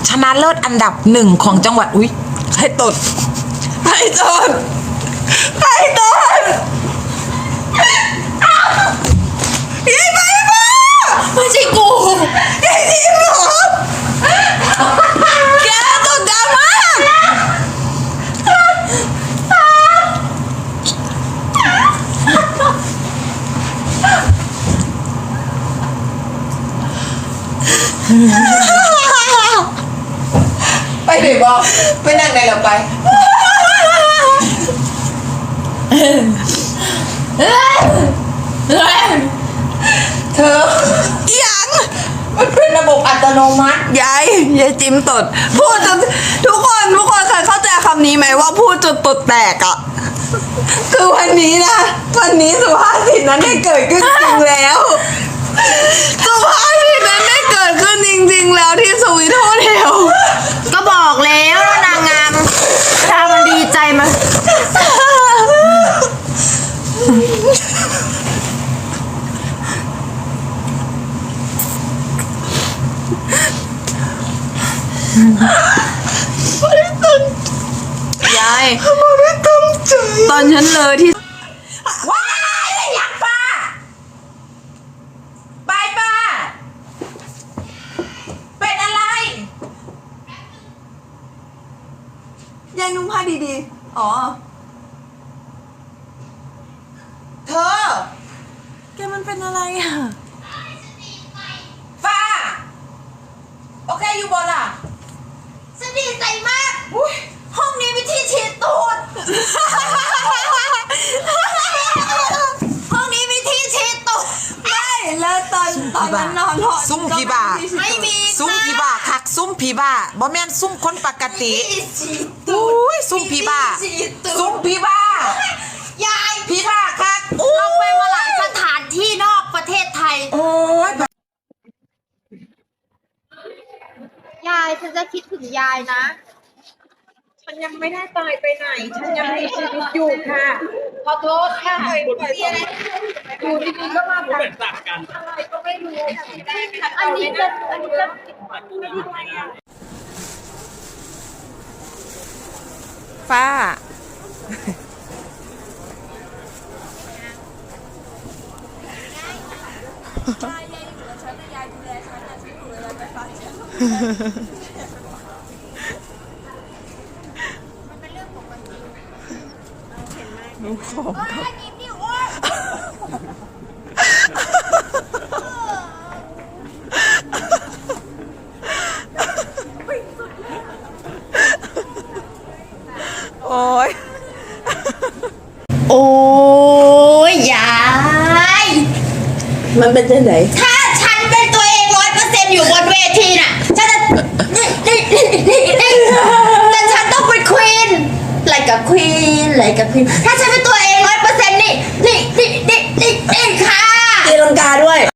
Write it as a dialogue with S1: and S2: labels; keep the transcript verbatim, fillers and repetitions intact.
S1: ชนะเลิศอันดับหนึ่งของจังหวัดอุ้ยให้ตดให้ตดให้ตดยัยไปมาไม่ใช่กูยัยทีมหรอแกตดดังมากไปไหนบอกไปนั่งไหนเราไปเธอยังมันเป็นระบบอัตโนมัติยายยายจิ้มตดพูดจนทุกคนทุกคนเคยเข้าใจคำนี้ไหมว่าพูดจนตดแตกอ่ะคือวันนี้นะวันนี้สุภาษิตนั้นได้เกิดขึ้นจริงแล้วสุภาษิตนั้นได้เกิดขึ้นจริงๆแล้วที่สวีทโฮเทล
S2: ก็บอกแล้วนางงามถ้ามันดีใจมา
S1: ยาย
S2: ไม่ตั้งใจ
S1: ตอนฉันเลยที่ว้ายอยากป้าบายป้าเป็นอะไรยายนุ่งผ้าดีๆอ๋อเธอแกมันเป็นอะไรอ่ะฟ้าโอเคอยู่บนล่ะ
S2: ฉันดีใจมาก
S1: อุ้ย
S2: ห้องนี้มีที่ฉีดตูดห้องนี้มีที่ฉีดตูด
S1: ไม่แล้วตอนตอนนั้นนอนหอ
S3: ซุ่มผีบ้า
S2: ไม่มี
S3: ซุ่มผีบ้าคักซุ่มผีบ้าบ่แม่นซุ่มคนปกติ
S2: ที่ฉีดตู
S3: อุ้
S2: ด
S3: ยซุ่มผีบ้า
S2: มีที่ฉีดตูด
S3: ซุ่มผีบ้าย
S2: าย
S3: ผีบ้าคัก
S2: เราไปมาหลายสถานที่นอกประเทศไทย
S3: โอ้ย
S2: ยายฉันจะคิดถึงยายนะ
S4: ฉันยังไม่ได้ตายไปไหน ฉันยังมีชีวิตอยู่ค่ะ ขอโทษค่ะมีอะไรอยู่ดีๆก็มาแบบอะไรก็ไม่รู้อันนี้จะอันนี้จะ
S1: ฟ้าดูของโอ้ย
S2: โอ้ยยาย
S1: มันเป็นจังไหน
S2: ถ้าฉันเป็นตัวเองร้อยเปอร์เซ็นต์อยู่บนเวทีน่ะฉันจะแต่ฉันต้องเป็นควีนอะไรกับควีนอะไรกับควีนถ้าฉันเป็นตัวเองร้อยเปอร์เซ็นต์นี่นี่นี่นี่นี่นี่ค่ะ
S1: ตีลังกาด้วย